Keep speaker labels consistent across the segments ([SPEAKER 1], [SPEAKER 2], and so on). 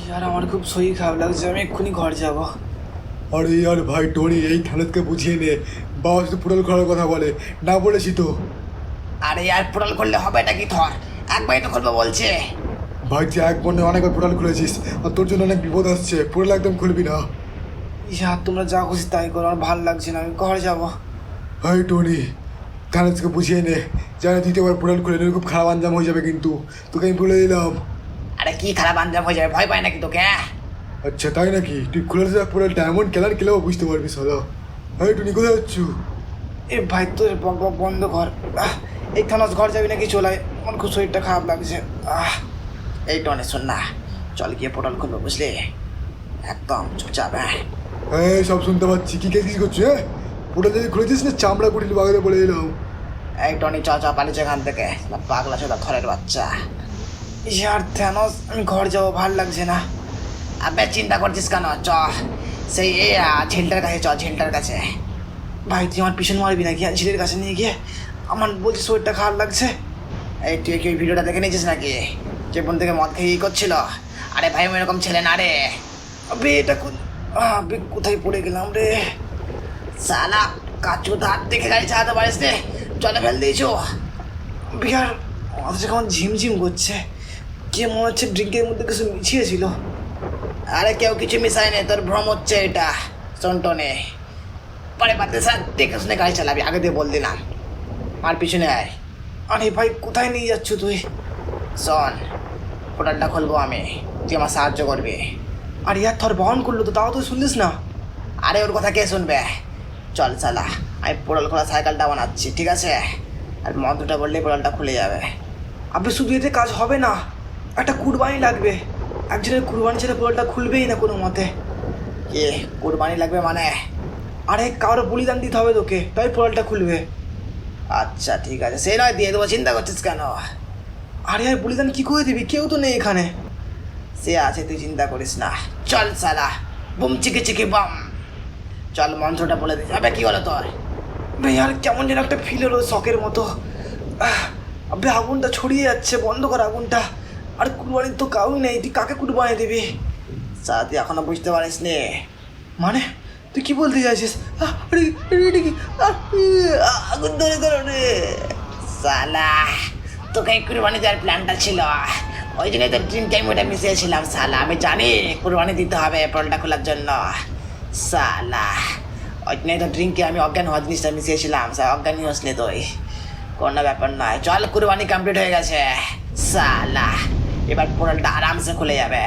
[SPEAKER 1] यार আমার খুব শরীর খারাপ লাগছে, আমি এক্ষুনি ঘর যাব।
[SPEAKER 2] আরে यार ভাই টনি এই খালেদকে বুঝিয়ে নে, বাবা শুধু পোর্টাল খোলার কথা বলে, না বলেছি তো।
[SPEAKER 3] আরে यार পোর্টাল খুললে হবে নাকি? ধর একবারই তো খুলবো বলছে।
[SPEAKER 2] ভাই যে এক বন্ধে অনেকবার পোর্টাল খুলেছিস, আর তোর জন্য অনেক বিপদ আসছে, পোর্টাল একদম খুলবি না।
[SPEAKER 1] ইয়ার তোমরা যা খুশি তাই করো, আমার ভালো লাগছে না, আমি ঘর যাব।
[SPEAKER 2] ভাই টনি খালেদকে বুঝিয়ে নে, জানে দ্বিতীয়বার পোর্টাল খুলে নিলে খুব খারাপ আঞ্জাম হয়ে যাবে, কিন্তু তোকে আমি বলে দিলাম।
[SPEAKER 3] আরে কি খারাপ আঞ্জাম হয়ে যাবে, ভয় পায় নাকি তোকে?
[SPEAKER 2] আচ্ছা তাই নাকি? তুই খুলে দেখ পোর্টালটা, এমন কেলার খেলেও বুঝতে পারবি সালা। ভাই টনি কোথায় যাচ্ছ?
[SPEAKER 1] এ ভাই তোর বক বক বন্ধ কর। এই থানাস ঘর যাবি নাকি? চলে আয়, আমার খুব শরীরটা খারাপ লাগছে।
[SPEAKER 3] এই টনে শোন না, চল গিয়ে পোর্টাল খুলবো বুঝলি, একদম চুপচাপ।
[SPEAKER 2] হ্যাঁ সব শুনতে পাচ্ছি, কি কেস করছো? হ্যাঁ পোর্টাল যদি খুলেছিস না চামড়া কুটিল বাগাতে বলে দিলাম।
[SPEAKER 3] এই টনি চ চ পালিয়েছে এখান থেকে, পাগলা চোদা থরের বাচ্চা।
[SPEAKER 1] ইয়ার থানাস আমি ঘর যাব, ভাল লাগছে না।
[SPEAKER 3] আবে চিন্তা করছিস কেন? চ সেই ঝিলটার কাছে, চ ঝিলটার কাছে।
[SPEAKER 1] ভাই তুই আমার পিছন মারবি নাকি ঝিলের কাছে নিয়ে গিয়ে? আমার বলছি শরীরটা খারাপ লাগছে।
[SPEAKER 3] এই তুই কি ওই ভিডিওটা দেখে নিয়েছিস নাকি, যে বোন থেকে মদ খেয়ে করছিল? আরে ভাই আমি এরকম ছেলে না রে।
[SPEAKER 1] আবে এটা কোথায় পড়ে গেলাম রে?
[SPEAKER 3] সালা কাচু ধার দেখে গাড়ি চালাতে পারিস রে, চলে ফেল দিয়েছো।
[SPEAKER 1] বিহার মাথা কেমন ঝিমঝিম করছে, কে মনে হচ্ছে ড্রিঙ্কের মধ্যে কিছু মিছিয়েছিল।
[SPEAKER 3] আরে কেউ কিছু মিশাই নেই, তোর ভ্রম হচ্ছে এটা সন্টনে। পরে বাদে স্যার দেখে শুনে গাড়ি চালাবি, আগে দিয়ে বল দিলাম। আর পিছনে আয়।
[SPEAKER 1] আরে ভাই কোথায় নিয়ে যাচ্ছ তুই?
[SPEAKER 3] শোন, পোর্টালটা খুলবো আমি, তুই আমার সাহায্য করবি।
[SPEAKER 1] আর ইয়ার থর বহন করলো তো, তাও তো শুনলিস না।
[SPEAKER 3] আরে ওর কথা কে শুনবে? চল সালা, আমি পোর্টাল খোলা সাইকেলটা বানাচ্ছি, ঠিক আছে? আর মন্ত্রটা বললেই পোর্টালটা খুলে যাবে।
[SPEAKER 1] আবে শুধু এতে কাজ হবে না, একটা কুরবানি লাগবে। একজনের কুরবানি ছেড়ে পোলটা খুলবেই না কোনো মতে।
[SPEAKER 3] কি কুরবানি লাগবে মানে?
[SPEAKER 1] আরে কারো বলিদান দিতে হবে তোকে, তাই পোলটা খুলবে।
[SPEAKER 3] আচ্ছা ঠিক আছে, সে নয় দিয়ে দেবো, চিন্তা করছিস কেন?
[SPEAKER 1] আরে আর বলিদান কি করে দিবি? কেউ তো নেই এখানে।
[SPEAKER 3] সে আছে, তুই চিন্তা করিস না। চল সালা, বুম চিকি চিকি বাম। চল মন্ত্রটা বলে দিস। আবে কি হলো তোর?
[SPEAKER 1] ভাই আর কেমন যেন একটা ফিল হলো, শখের মতো। আবে আগুনটা ছড়িয়ে যাচ্ছে, বন্ধ কর আগুনটা। আর কুরবানির তো কাউই নেই, তুই কাকে কুরবানি দিবি?
[SPEAKER 3] সালা তুই এখনো বুঝতে পারিস নি?
[SPEAKER 1] মানে তুই কি বলতে চাইছিস?
[SPEAKER 3] আগুন ধরে ধরো রে সালা, তোকে কুরবানি দেওয়ার প্ল্যানটা ছিল, ওই জন্যই তো ড্রিম টাইম ওটা মিশিয়েছিলাম। সালা আমি জানি কুরবানি দিতে হবে পোর্টালটা খোলার জন্য। সালা ওই জন্যই তো ড্রিঙ্কে আমি অজ্ঞান হওয়ার জিনিসটা মিশিয়েছিলাম। স্যার অজ্ঞানী হসনি তুই, কোনো ব্যাপার নয়। চল কুরবানি কমপ্লিট হয়ে গেছে সালা, এবার পোর্টালটা আরামসে খুলে যাবে।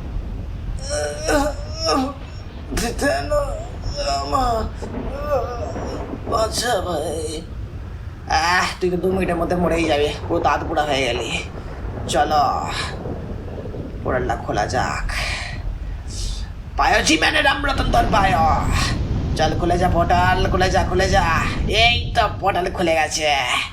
[SPEAKER 1] আচ্ছা ভাই,
[SPEAKER 3] তুই তো 2 মিনিটের মধ্যে মরেই যাবে, পুরো দাঁত পুরা হয়ে গেলি। চলো পোর্টালটা খোলা যাক। পায়োজি ম্যানের আমরতন তোর পায়। চল খুলে যা পোর্টাল, খুলে যা খুলে যা। এই তো পোর্টাল খুলে গেছে।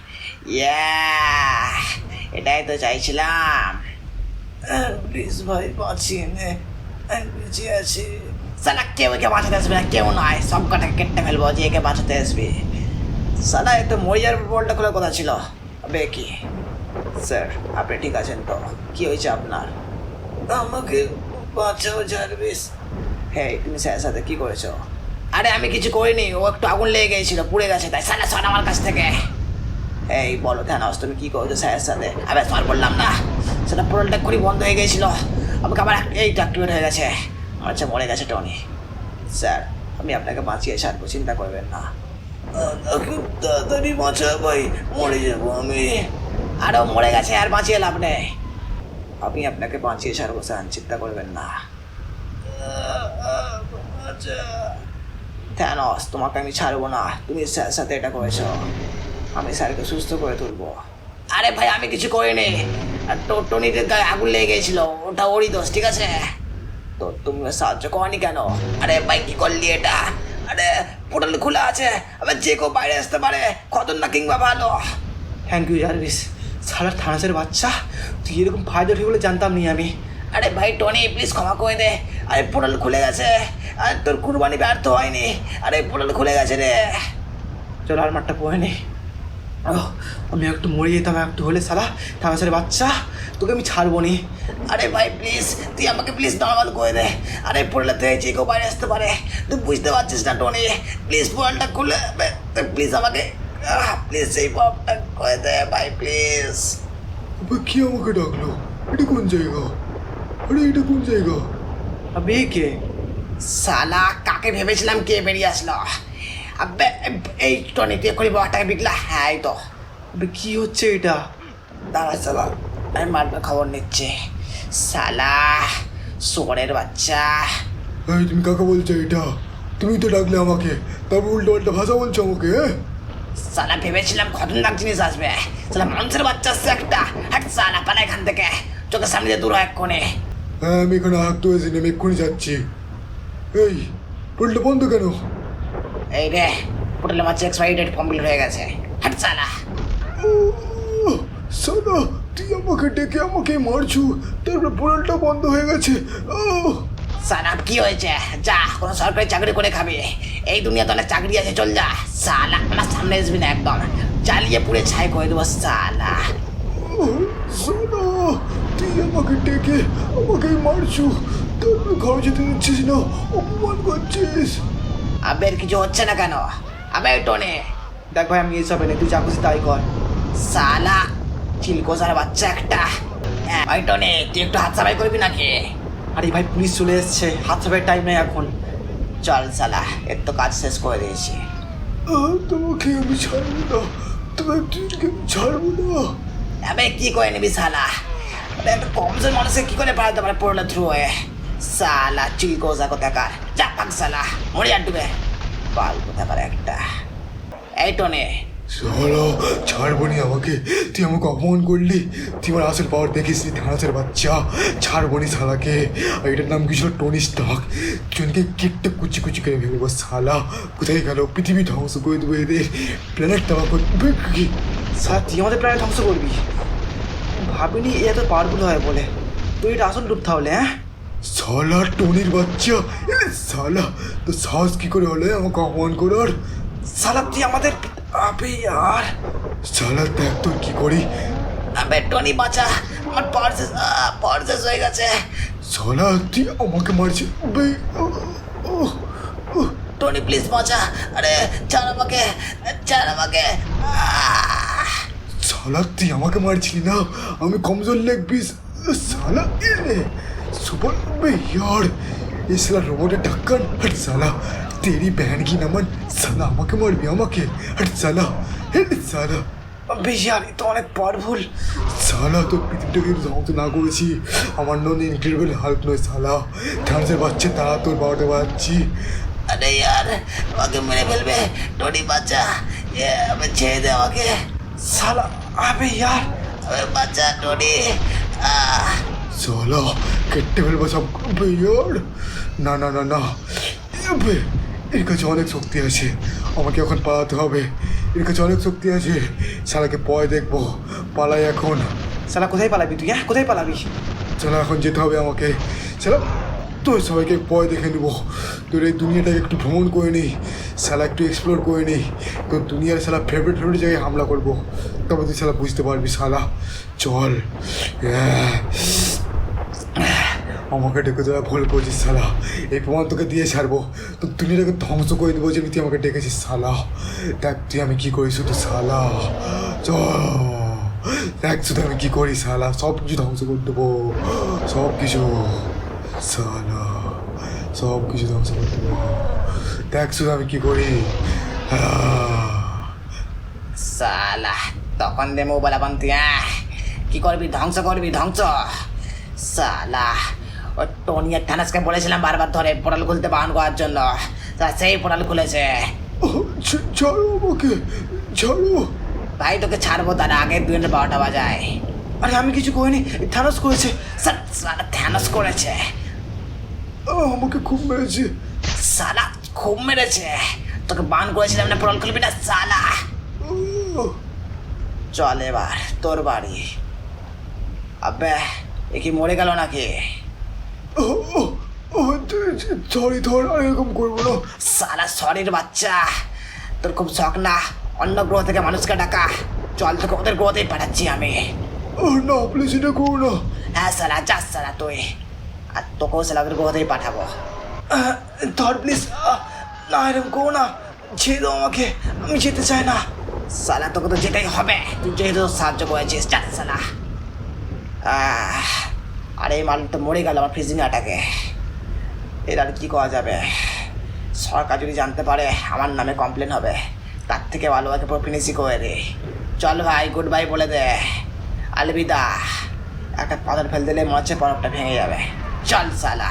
[SPEAKER 3] এটাই তো চাইছিলাম।
[SPEAKER 1] প্লিজ ভাই বাঁচিয়ে নে, আমি বেঁচে আছি।
[SPEAKER 3] সালা কেউ একে বাঁচাতে আসবে না, কেউ নয়, সব কটাকে কেটে ফেলবো যে একে বাঁচাতে আসবে। সালা এ তো মরিয়ার পোর্টালটা খোলার কথা ছিল। আবে কি স্যার, আপনি ঠিক আছেন তো? কি হয়েছে আপনার?
[SPEAKER 1] আমাকে বাঁচাও জার্ভিস।
[SPEAKER 3] হ্যাঁ তুমি স্যারের সাথে কি করেছো? আরে আমি কিছু করিনি, ও একটু আগুন লেগে গেছিল, পুড়ে গেছে তাই। সালা সর আমার কাছ থেকে। এই বলো থানাস, তুমি কি করেছো স্যারের সাথে? আবে সর বললাম না, সেটা পোর্টালটা খুবই বন্ধ হয়ে গিয়েছিল, আমাকে আবার এইটা অ্যাক্টিভেট হয়ে গেছে। আচ্ছা মরে গেছে টনি। স্যার আমি আপনাকে বাঁচিয়ে ছাড়বো, চিন্তা করবেন না।
[SPEAKER 1] খুব তাড়াতাড়ি বাঁচা ভাই, মরে যাবো আমি।
[SPEAKER 3] আরও মরে গেছে, আর বাঁচিয়ে লাভ নেই। আমি আপনাকে বাঁচিয়ে ছাড়বো স্যার, চিন্তা করবেন না। থ্যানস তোমাকে আমি ছাড়বো না, তুমি স্যারের সাথে এটা করেছো, আমি স্যারকে সুস্থ করে তুলবো। আরে ভাই আমি কিছু করিনি, আর টনিদের গায়ে আগুন লেগে গেছিল, ওটা ওরই দোষ, ঠিক আছে? তো তুমি সাহায্য করনি কেন? আরে ভাই কি করলি এটা? আরে পোর্টাল খোলা আছে, আবার যে কেউ বাইরে আসতে পারে, খতরনাক কিংবা ভালো।
[SPEAKER 1] থ্যাংক ইউ জার্ভিস, সালার থানাসের বাচ্চা, তুই এরকম ফায়দা ঠিক বলে জানতাম নি আমি।
[SPEAKER 3] আরে ভাই টনি প্লিজ ক্ষমা করে দে। আরে পোর্টাল খুলে গেছে, আর তোর কুরবানি ব্যর্থ হয়নি। আরে পোর্টাল খুলে গেছে রে।
[SPEAKER 1] চলো আর মাঠটা পড়ে নে। আমি একটু মরে যেতাম একটু হলে সালা থানাসের বাচ্চা, তোকে আমি ছাড়বো নি।
[SPEAKER 3] আরে ভাই প্লিজ তুই আমাকে প্লিজ নর্মাল করে দে। আরে পোর্টাল থেকে যে কেউ বাইরে আসতে পারে, তুই বুঝতে পারছিস না টনি? প্লিজ পোর্টালটা খুলে প্লিজ আমাকে প্লিজ এই পপটা করে দে ভাই প্লিজ।
[SPEAKER 2] আবে কি আমাকে ডাকলো? এটা কোন জায়গা? আরে এটা কোন জায়গা?
[SPEAKER 1] আবে কে?
[SPEAKER 3] সালা কাকে ভেবেছিলাম কে বেরিয়ে আসলো? আবে এই টনি তুই এক্ষুনি বাবাটাকে বিকলা। হ্যাঁ এই তো।
[SPEAKER 1] আবে কি হচ্ছে এটা?
[SPEAKER 3] দাঁড়া সালা আমি মারটার খবর নিচ্ছে। সালা শুকরের বাচ্চা।
[SPEAKER 2] এই তুমি কাকে বলছো এটা? তুমি তো ডাকলে আমাকে, তারপর উল্টো পাল্টা ভাষা বলছো আমাকে, হ্যাঁ?
[SPEAKER 3] সালা ভেবেছিলাম খতরনাক জিনিস আসবে। সালা মানুষের বাচ্চা আসছে একটা। হাট সালা পালা এখান থেকে, চোখের সামনে দিয়ে দূর হয় এক্ষুনি।
[SPEAKER 2] হ্যাঁ আমি এখানে হাঁকতে হয়েছি, আমি এক্ষুনি যাচ্ছি। এই পোর্টালটা বন্ধ কেন?
[SPEAKER 3] এই রে পোর্টালের মাঝে এক্সপায়ারি ডেট কমপ্লিট হয়ে গেছে। হাট সালা।
[SPEAKER 2] সাদা তুই আমাকে ডেকে আমাকে মারছু, তারপরে পোর্টালটা বন্ধ হয়ে গেছে।
[SPEAKER 3] সালা কি হয়েছে? যা কোনো সরকারি চাকরি করে খাবি। এই দুনিয়াতে অনেক চাকরি আছে, চল যা। সালা আমার সামনে আসবি না, একদম জ্বালিয়ে পুড়ে ছাই করে দেবো সালা।
[SPEAKER 2] সাদা তুই আমাকে ডেকে আমাকে মারছু, তারপরে ঘরে যেতে দিচ্ছিস না, অপমান করছিস।
[SPEAKER 3] আবে এর কিছু হচ্ছে না কেন? আবে টনে
[SPEAKER 1] দেখ ভাই আমি এসব এনে, তুই যা খুশি তাই কর।
[SPEAKER 3] সালা চিলকোসার বাচ্চা একটা। ভাই টনে তুই একটু হাত সাফাই করবি নাকি?
[SPEAKER 1] আরে ভাই পুলিশ চলে এসছে, হাত ছাপার টাইম নেই এখন।
[SPEAKER 3] চল সালা এর তো কাজ শেষ করে দিয়েছি।
[SPEAKER 2] তোমাকে আমি ছাড়বো না, তোমার তুইকে আমি ছাড়বো না।
[SPEAKER 3] আবে কি করে নিবি সালা? একটা কমজোর মানুষকে কি করে পাঠাতে পারে পড়লো থ্রু হয়ে? সালা চিলকোসা কোথাকার, যা পাক সালা মরে আর ডুবে পাল কোথাকার একটা। এই টনে
[SPEAKER 2] চলো ছাড়বো নি আমাকে, তুই আমাকে অপমান করলি, তুই আমার আসল পাওয়ার দেখিস নি থানাসের বাচ্চা। ছাড়বো নি শালাকে। আর এটার নাম কি ছিল? Tony Stark. জনকে কেকটা কুচি কুচি করে ভেবে শালা কোথায় গেল? পৃথিবী ধ্বংস করে দেবো এদের, প্ল্যানেট তাবা করবে কি?
[SPEAKER 1] সালা তুই আমাদের প্রায় ধ্বংস করবি? ভাবিনি এ এত পাওয়ারফুল হয় বলে। তুই এটা আসল রূপ তাহলে, হ্যাঁ?
[SPEAKER 2] শালা টনির বাচ্চা, শালা তো সাহস কি করে হলে আমাকে অপমান করার?
[SPEAKER 1] সালা তুই আমাদের, আবে আর
[SPEAKER 2] শালা দেখ তোর কি করি।
[SPEAKER 3] আবে টনি বাঁচা, আমার পাওয়ার শেষ হয়ে গেছে।
[SPEAKER 2] শালা তুই আমাকে মারছিস।
[SPEAKER 3] টনি প্লিজ বাঁচা। আরে ছাড় আমাকে, ছাড় আমাকে।
[SPEAKER 2] শালা তুই আমাকে মারছিলি না, আমি কমজোর লেগ পিস। শালা এলে सुपर बे यार ये साला रोबोट ढक्कन हट साला तेरी बहन की नमन साला আমাকে মারবি আমাকে हट साला हट साला
[SPEAKER 1] আবে यार এ তো অনেক পাওয়ারফুল।
[SPEAKER 2] সালা তো পৃথিবীটাকে ধ্বংস না করেছি আমার নন ইনক্রেডিবল হাল্ক নয় সালা থানসের বাচ্চা তারা তোর বাবাটা বাচ্চি।
[SPEAKER 3] আরে यार আমাকে মেরে ফেলবে টনি বাচ্চা, আমি ছেড়ে দে আমাকে
[SPEAKER 1] সালা। আবে यार
[SPEAKER 3] আবে বাচ্চা টনি।
[SPEAKER 2] साला কেটে ফেলবো সব ইয়ার। না না না না আবে এর কাছে অনেক শক্তি আছে, আমাকে এখন পালাতে হবে, এর কাছে অনেক শক্তি আছে। শালাকে পয় দেখবো, পালাই এখন।
[SPEAKER 1] সালা কোথায় পালাবি তুই, হ্যাঁ কোথায় পালাবি?
[SPEAKER 2] শালা এখন যেতে হবে আমাকে। শালা তোর সবাইকে পয় দেখে নেবো, তোর এই দুনিয়াটাকে একটু ভ্রমণ করে নিই, শালা একটু এক্সপ্লোর করে নিই, তোর দুনিয়ার শালা ফেভারিট ফেভারিট জায়গায় হামলা করবো, তবে তুই শালা বুঝতে পারবি। শালা চল। আমাকে ডেকে দেওয়া ভুল করছিস শালা, এই প্রমাণ তোকে দিয়ে ছাড়বো, তোর দুনিয়াটাকে ধ্বংস করে দেবো যে তুই আমাকে ডেকেছিস শালা। দেখ তুই আমি কী করি শুধু শালা, চল দেখ শুধু আমি কী করি শালা, সব কিছু ধ্বংস করে দেবো, সব কিছু শালা, সব কিছু ধ্বংস করে দেবো, দেখ শুধু আমি কী করি।
[SPEAKER 3] সালা তখন দে মোবাইল আবার তুই কি করবি? ধ্বংস করবি, ধ্বংস। সালা ও টনি আর থানাসকে বলেছিলাম বারবার ধরে পোর্টাল খুলতে বাহন করার জন্য, তা সেই পোর্টাল খুলেছে।
[SPEAKER 2] ছাড়ো আমাকে, ছাড়ো।
[SPEAKER 3] ভাই তোকে ছাড়বো তার আগে 2:12 বাজায়।
[SPEAKER 1] আরে আমি কিছু করিনি, থানোস করেছে।
[SPEAKER 3] সালা থানোস করেছে।
[SPEAKER 2] আমাকে খুব মেরেছে।
[SPEAKER 3] সালা খুব মেরেছে, তোকে বান করেছিলাম না পোর্টাল খুলবি না সালা। চল এবার তোর বাড়ি। আবে এ কি মরে গেল নাকি?
[SPEAKER 2] সরি ধর, আর এরকম করবো না।
[SPEAKER 3] সালা সরির বাচ্চা, তোর খুব শখ না অন্য গ্রহ থেকে মানুষকে ডাকা। চল, তোকে ওদের গ্রহতেই পাঠাচ্ছি আমি।
[SPEAKER 2] না প্লিজ এটা করো না।
[SPEAKER 3] হ্যাঁ সালা, যাস সালা তুই। আর তোকেও সালা ওদের গ্রহতেই পাঠাবো।
[SPEAKER 1] ধর প্লিজ, না এরকম করো না, ছেড়ে দাও আমাকে, আমি যেতে চাই না।
[SPEAKER 3] সালা তোকে তো যেতেই হবে, তুই যেহেতু সাহায্য করেছিস, যাস সালা। আর এই মাল তো মরে গেল আমার ফ্রিজিং অ্যাটাকে। এর আর কি করা যাবে? সরকার যদি জানতে পারে আমার নামে কমপ্লেন হবে, তার থেকে ভালো আগে পুরো ফিনিশই করে দে। চল ভাই, গুড বাই বলে দে, আলবিদা। একটা পাথর ফেল দিলে মনে হচ্ছে বরফটা ভেঙে যাবে। চল সালা,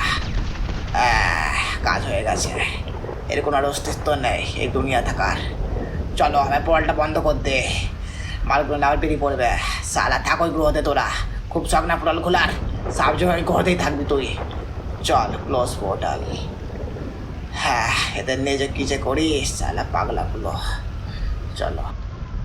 [SPEAKER 3] কাজ হয়ে গেছে। এর কোনো আর অস্তিত্ব নেই এই দুনিয়া থাকার। চলো আমার পোর্টালটা বন্ধ কর দে, মালগুলো আবার বেরিয়ে পড়বে। সালা থাক ওই গ্রহতে তোরা, খুব শখ না পোর্টাল খোলার, সাবজেক্ট গ্রহতেই থাকবি তুই। চল ক্লোজ পোর্টাল। হ্যাঁ, এদের নিয়ে যে কী যে করিস সালা পাগলাগুলো। চলো।